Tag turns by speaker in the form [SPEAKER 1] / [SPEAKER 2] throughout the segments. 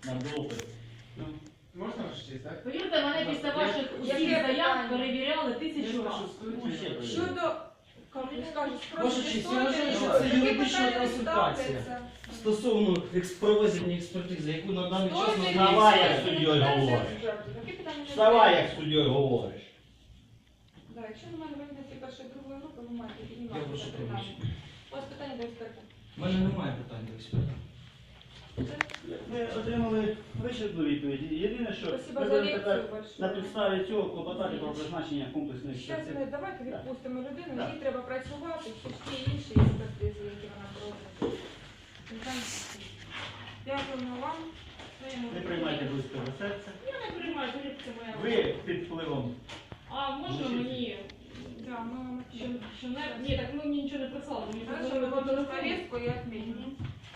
[SPEAKER 1] на допит.
[SPEAKER 2] Можна ж честь, так?
[SPEAKER 3] Повірте, мене після ваших усіх заяв перевіряли 1000 разів.
[SPEAKER 4] Щодо, скажу,
[SPEAKER 1] Ваша честь, я вважаю, що це юридична консультація. Стосовно проведення експертизи, яку на даний час
[SPEAKER 5] Вставай, як суддєю говориш. Вставай, як суддєю говориш.
[SPEAKER 4] Так, якщо до мене виникне перша і другої групи, ви маєте
[SPEAKER 1] Я
[SPEAKER 4] піднімати
[SPEAKER 1] прошу
[SPEAKER 4] це питання.
[SPEAKER 1] пробачення.
[SPEAKER 4] У вас питання до експерта.
[SPEAKER 1] У мене немає питань до експерта.
[SPEAKER 6] Ми отримали вичерпну відповідь. Єдине, що
[SPEAKER 4] Спасибо
[SPEAKER 6] ми
[SPEAKER 4] за
[SPEAKER 6] будемо тепер
[SPEAKER 4] лекцію
[SPEAKER 6] на
[SPEAKER 4] большое.
[SPEAKER 6] підставі цього клопотати про призначення комплексної
[SPEAKER 4] Зараз
[SPEAKER 6] експертизи.
[SPEAKER 4] ми давайте відпустимо людину,
[SPEAKER 6] Так.
[SPEAKER 4] їй треба працювати, всі інші експертизи, які вона проводить. Дякуємо вам.
[SPEAKER 6] Не приймайте близько до серця.
[SPEAKER 3] Я не приймаю, повірте, моя.
[SPEAKER 6] Ви під впливом.
[SPEAKER 3] А можна мені,
[SPEAKER 4] Да, ми вам
[SPEAKER 3] що не... Ні, так ви мені нічого не прислали, мені
[SPEAKER 4] Хорошо,
[SPEAKER 3] позвонили по
[SPEAKER 4] вот
[SPEAKER 3] телефону.
[SPEAKER 4] повестку я отменю.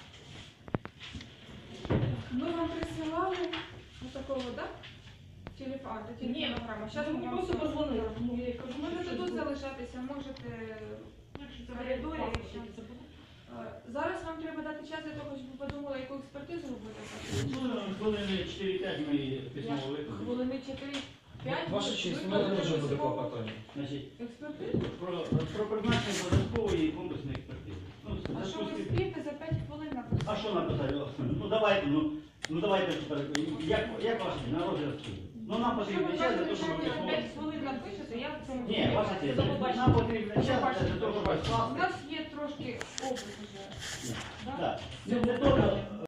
[SPEAKER 4] Мы вам присылали вот такого, да? Телефон, это
[SPEAKER 3] Ні,
[SPEAKER 4] телефонограмма. Сейчас
[SPEAKER 3] мені
[SPEAKER 4] мы вам
[SPEAKER 3] просто
[SPEAKER 4] все
[SPEAKER 3] позвонили.
[SPEAKER 4] розповімо.
[SPEAKER 3] Ну, я кажу,
[SPEAKER 4] Можете
[SPEAKER 3] що
[SPEAKER 4] тут
[SPEAKER 3] це?
[SPEAKER 4] залишатися, можете
[SPEAKER 3] Якщо це
[SPEAKER 4] в коридорі.
[SPEAKER 3] паспорт,
[SPEAKER 4] якщо.
[SPEAKER 3] це буде.
[SPEAKER 4] Зараз вам треба дати час для того, щоб ви подумали, яку експертизу ви будете
[SPEAKER 6] Ну, хвилини 4-5 ми письмово виконуємо.
[SPEAKER 4] Хвилини 4-5.
[SPEAKER 1] Ваша честь, у мене теж буде клопотання.
[SPEAKER 6] Значить,
[SPEAKER 4] Експертизу?
[SPEAKER 6] про призначення додаткової і комплексної експертизи. Ну, в
[SPEAKER 4] А що
[SPEAKER 6] зв'язку з
[SPEAKER 4] ви
[SPEAKER 6] тим-
[SPEAKER 4] спієте за 5 хвилин написати?
[SPEAKER 6] А що написати? Ну давайте тепер. Як ваше на розгляд суду? Ну нам
[SPEAKER 4] Якщо
[SPEAKER 6] потрібен
[SPEAKER 4] ви
[SPEAKER 6] час для
[SPEAKER 4] кажете,
[SPEAKER 6] того,
[SPEAKER 4] що
[SPEAKER 6] щоб
[SPEAKER 4] ви за 5
[SPEAKER 6] висловити.
[SPEAKER 4] хвилин напишете, я в цьому...
[SPEAKER 6] Ні, ваша честь, нам потрібен час для того, щоб
[SPEAKER 4] У
[SPEAKER 6] розкласти.
[SPEAKER 4] нас є трошки опит уже.
[SPEAKER 6] Так. Не то,